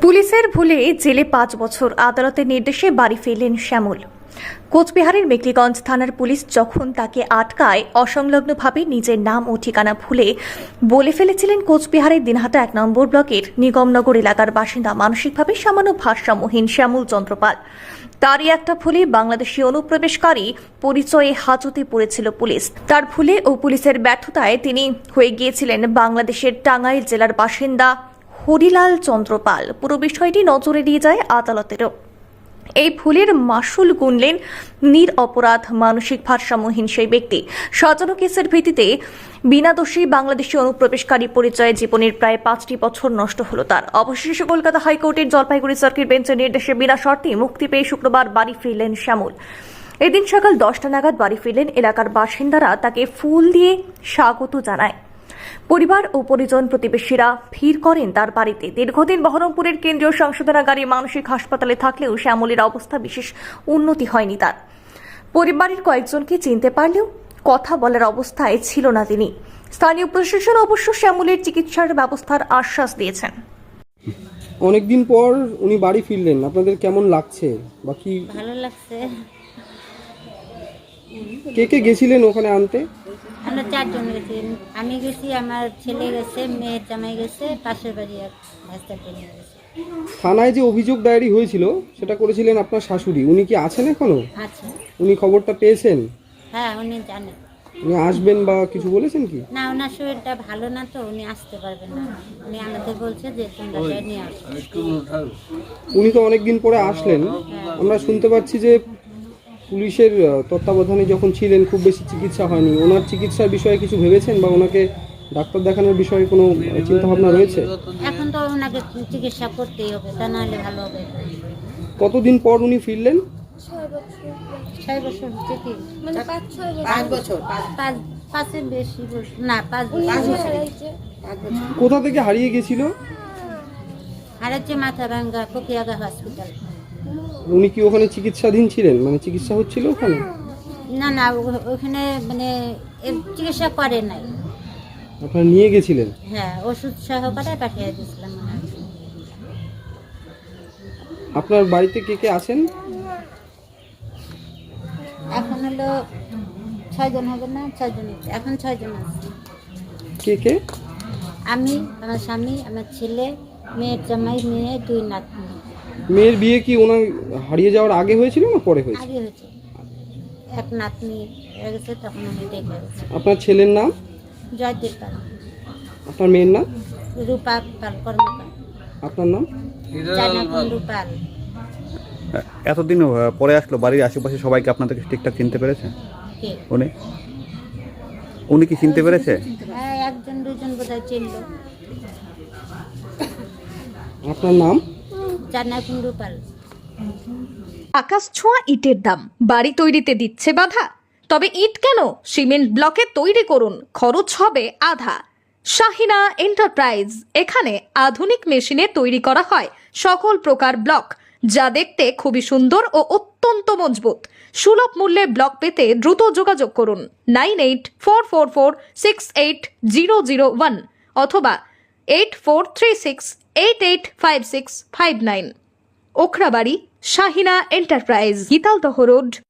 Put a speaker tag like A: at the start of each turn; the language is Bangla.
A: পুলিশের ভুলে জেলে ৫ বছর, আদালতের নির্দেশে বাড়ি ফিরলেন শ্যামল। কোচবিহারের মেকলিগঞ্জ থানার পুলিশ যখন তাকে আটকায়, অসংলগ্নভাবে নিজের নাম ও ঠিকানা ভুলে বলে ফেলেছিলেন কোচবিহারের দিনহাটা ১ নম্বর ব্লকের নিগমনগর এলাকার বাসিন্দা মানসিকভাবে সামান্য ভারসাম্যহীন শ্যামল চন্দ্রপাল। তারই একটা ভুলে বাংলাদেশি অনুপ্রবেশকারী পরিচয়ে হাজতে পড়েছিল পুলিশ। তার ভুলে ও পুলিশের ব্যর্থতায় তিনি হয়ে গিয়েছিলেন বাংলাদেশের টাঙ্গাইল জেলার বাসিন্দা হরিলাল চন্দ্রপাল। পুরো বিষয়টি নজরে দিয়ে যায় আদালতেরও। এই ভুলের মাসুল গুনলেন নিরপরাধ মানসিক ভারসাম্যহীন সেই ব্যক্তি। সাজানো কেসের ভিত্তিতে বিনা দোষী বাংলাদেশি অনুপ্রবেশকারী পরিচয়ে জীবনের প্রায় ৫টি বছর নষ্ট হল তার। অবশেষে কলকাতা হাইকোর্টের জলপাইগুড়ি সার্কিট বেঞ্চের নির্দেশে বিনা শর্তে মুক্তি পেয়ে শুক্রবার বাড়ি ফিরলেন শ্যামল। এদিন সকাল 10টা নাগাদ বাড়ি ফিরলেন। এলাকার বাসিন্দারা তাকে ফুল দিয়ে স্বাগত জানায়। পরিবার ও পরিজন প্রতিবেশীরা ভিড় করেন তার বাড়িতে। দীর্ঘদিন বহরমপুরের কেন্দ্রীয় সংশোধনাগারী মানসিক হাসপাতালে থাকলেও শ্যামলের অবস্থা বিশেষ উন্নতি হয়নি তার। পরিবারের কয়েকজনকে চিনতে পারলেও কথা বলার অবস্থায় ছিল না তিনি। স্থানীয় প্রশাসন অবশ্য শ্যামলের চিকিৎসার ব্যবস্থার আশ্বাস দিয়েছেন।
B: অনেকদিন পর উনি বাড়ি ফিরলেন, আপনাদের কেমন লাগছে? বাকি
C: ভালো লাগছে।
B: কে কে গেছিলেন ওখানে আনতে?
C: আমরা 4 জন গেছি। আমি গেছি, আমার ছেলে গেছে, মেয়ের জামাই গেছে, পাশের বাড়ি এক ভাস্তাকে নিয়ে গেছে।
B: থানায় যে অভিযোগ ডায়েরি হয়েছিল সেটা করেছিলেন আপনার শাশুড়ি, উনি কি আছেন এখনো?
C: আছে।
B: উনি খবরটা পেয়েছেন?
C: হ্যাঁ, উনি জানে।
B: উনি আসবেন বা কিছু বলেছেন কি?
C: না, ওনার শরীরটা ভালো না, তো উনি আসতে পারবেন না। উনি আমাদের বলছে যে তোমরা নিয়ে আসো।
B: উনি তো অনেকদিন পরে আসলেন। আমরা শুনতে পাচ্ছি যে পুলিশের তত্ত্বাবধানে যখন ছিলেন খুব বেশি চিকিৎসা হয়নি। ওনার চিকিৎসার বিষয়ে কিছু ভেবেছেন বা ওনাকে ডাক্তার দেখানোর বিষয়ে কোনো চিন্তা ভাবনা রয়েছে?
C: এখন তো ওনাকে চিকিৎসা করতেই হবে, তা নাহলে ভালো হবে।
B: কতদিন পর উনি ফিরলেন?
C: 6 বছর হচ্ছে কি?
D: মানে 5 বছর।
C: 5-এর বেশি বছর না, 5 বছর।
B: কোথা থেকে হারিয়ে গেছিল?
C: আর হচ্ছে মাথা ভাঙ্গা ফকিয়াগা হসপিটাল।
B: উনি কি ওখানে চিকিৎসাধীন ছিলেন, মানে চিকিৎসা হচ্ছিল ওখানে?
C: না না, ওখানে মানে চিকিৎসা করে নাই।
B: আপনারা নিয়ে গেছিলেন?
C: হ্যাঁ, ওষুধ সহকারে পাঠিয়ে দিয়েছিলাম।
B: আপনার বাড়িতে কে কে আছেন?
C: এখন হলো 6 জন হবে না? 6 জন। এখন 6 জন আছে।
B: কে কে?
C: আমি, আমার স্বামী, আমার ছেলে, মেয়ের জামাই, মেয়ে, 2 নাতনি।
B: মেয়ের বিয়ে কি ওনার হারিয়ে যাওয়ার আগে হয়েছিল না পরে হয়েছে?
C: আগে হয়েছে। এক নাতনি হয়ে গেছে, তখন আমি দেখে গেছি।
B: আপনার ছেলের নাম?
C: জয়দেব পাল।
B: আপনার মেয়ের নাম?
C: রূপা পাল কর্মকার।
B: আপনার নাম?
C: জানাকুণ্ডু পাল।
E: এতদিন পরে আসলো, বাড়ির আশেপাশে সবাইকে আপনাদেরকে ঠিকঠাক চিনতে পেরেছে?
C: কে?
E: উনি কি চিনতে পেরেছে?
C: হ্যাঁ, 1-2 বোধহয় চিনল।
B: আপনার নাম?
C: জানাকুণ্ডু পাল।
A: আকাশ ছোঁয়া ইটের দাম বাড়ি তৈরিতে দিচ্ছে বাধা? তবে ইট কেন, সিমেন্ট ব্লকে তৈরি করুন, খরচ হবে আধা। শাহিনা এন্টারপ্রাইজ, এখানে আধুনিক মেশিনে তৈরি করা হয় সকল প্রকার ব্লক, যা দেখতে খুবই সুন্দর ও অত্যন্ত মজবুত। সুলভ মূল্যে ব্লক পেতে দ্রুত যোগাযোগ করুন 9844468001 অথবা 8436885659। Okhrabari, Shahina enterprise, Gitaldaha road,